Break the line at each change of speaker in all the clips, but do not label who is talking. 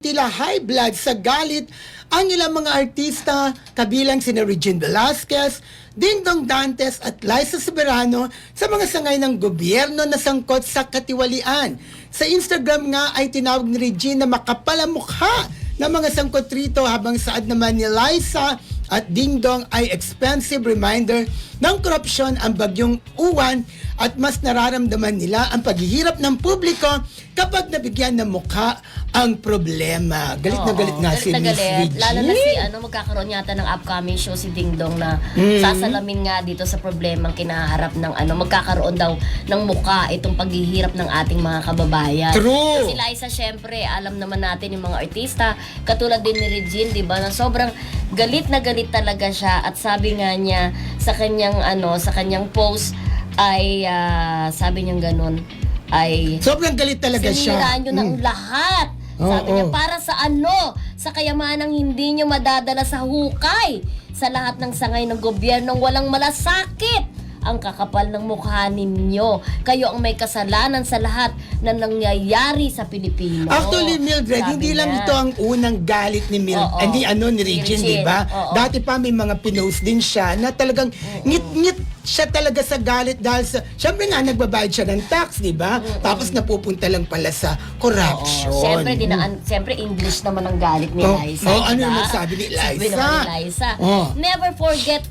tila high blood sa galit ang ilang mga artista kabilang sina Regine Velasquez, Dingdong Dantes at Liza Soberano sa mga sangay ng gobyerno na sangkot sa katiwalian. Sa Instagram nga ay tinawag ni Regine na makapalamukha ng mga sangkot rito, habang saad naman ni Liza at Dingdong ay expensive reminder ng korupsyon ang bagyong Uwan at mas nararamdaman nila ang paghihirap ng publiko kapag nabigyan ng mukha ang problema. Galit na galit nga si Miss Regine.
Lalo na si magkakaroon yata ng upcoming show si Dingdong na sasalamin nga dito sa problemang kinaharap ng magkakaroon daw ng mukha itong paghihirap ng ating mga kababayan.
True!
Si Liza, syempre, alam naman natin yung mga artista, katulad din ni Regine, di ba, na sobrang galit na galit talaga siya, at sabi nga niya sa kanyang post ay sabi niya ganun, ay
sobrang galit talaga siya.
Sinira nyo ng lahat. Sabi niya, para sa sa kayamanang hindi nyo madadala sa hukay, sa lahat ng sangay ng gobyernong walang malasakit ang kakapal ng mukha ninyo. Kayo ang may kasalanan sa lahat na nangyayari sa Pilipino.
Actually, Mildred,
sabi
hindi lang
niya.
ito ang unang galit ni ni Regine, di ba? Dati pa may mga pinost din siya na talagang ngit-ngit siya talaga sa galit dahil sa, syempre nga, nagbabayad siya ng tax, di ba? Tapos napupunta lang pala sa corruption.
Siyempre, English naman ang galit ni Liza.
Ano yung sabi ni Liza?
Sabi naman ni Liza, never forget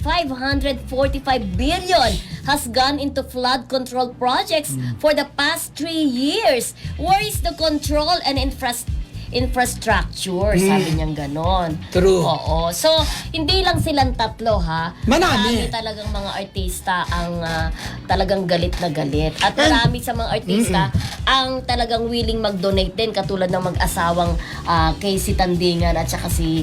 545 billion has gone into flood control projects for the past 3 years. Where is the control and infrastructure? Sabi niyang ganon.
True.
Oo. So, hindi lang silang tatlo, ha?
Marami
talagang mga artista ang talagang galit na galit. At marami sa mga artista ang talagang willing mag-donate din, katulad ng mag-asawang Casey Tandingan at saka si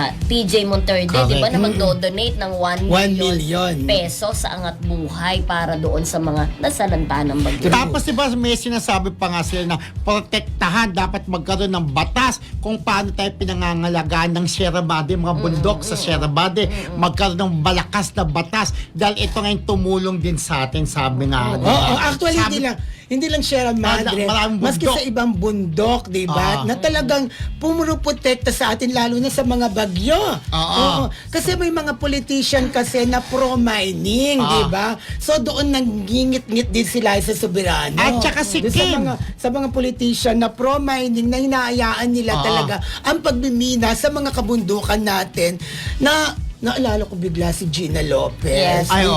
TJ Monterde, di ba, na mag-donate ng 1 million pesos sa Angat Buhay para doon sa mga nasalanta ng bagyo.
Tapos diba may sinasabi pa nga sila na protektahan, dapat magkaroon ng batas kung paano tayo pinangangalagaan ng Sierra Madre, mga bundok sa Sierra Madre, magkaroon ng malakas na batas dahil ito ngayon tumulong din sa atin, sabi nga.
Actually, hindi lang Sierra Madre, maski sa ibang bundok, di ba? Na talagang pumuprotekta sa atin, lalo na sa mga bagyo. Kasi may mga politician kasi na pro-mining, di ba? So doon nanggingit-ngit din sila sa Soberano.
At saka si Kim.
Sa mga politician na pro-mining na hinaayaan nila talaga ang pagmimina sa mga kabundukan natin, na naalala ko bigla si Gina Lopez.
Yes.
Ay,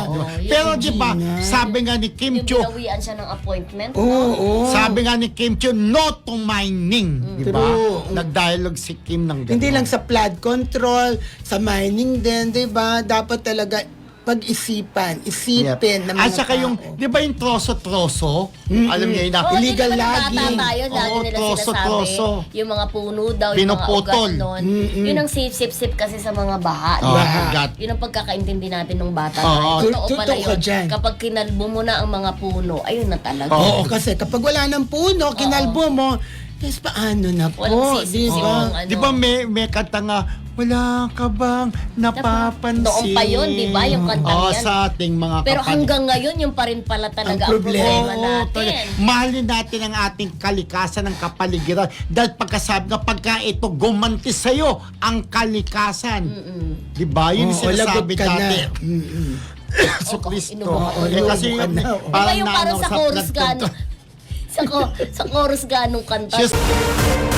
pero di ba, sabi nga ni Kim Chiu,
binawian siya ng appointment.
sabi nga ni Kim Chiu, no to mining. Di ba? Nag-dialogue si Kim ng gano'n.
Hindi lang sa flood control, sa mining din, di ba? Dapat talaga isipin ng mga
at saka yung, di ba yung troso-troso? Alam niyo yun na,
illegal
logging.
logging.
Lagi nila sinasabi, yung mga puno daw,
pinuputol.
yung mga ugat nun. Yun ang sip-sip kasi sa mga baha. Yun ang pagkakaintindi natin ng bata. Totoo pala yun. Kapag kinalbo mo na ang mga puno, ayun na talaga.
Oo, kasi kapag wala ng puno, kinalbo mo, yes, paano na po?
Walang
Di ba may kanta nga, wala ka bang napapansin?
Noon pa yun, di ba? Yung kanta yan.
Sa ating mga
pero hanggang ngayon, yung pa rin pala talaga ang problema natin.
Mahalin natin ang ating kalikasan, ng kapaligiran. Dahil pagkasabi nga, pagka ito gumanti sa'yo ang kalikasan. Di ba? Yun yung sinasabi natin. So, Kristo. Kasi
parang sa chorus ganong kanta.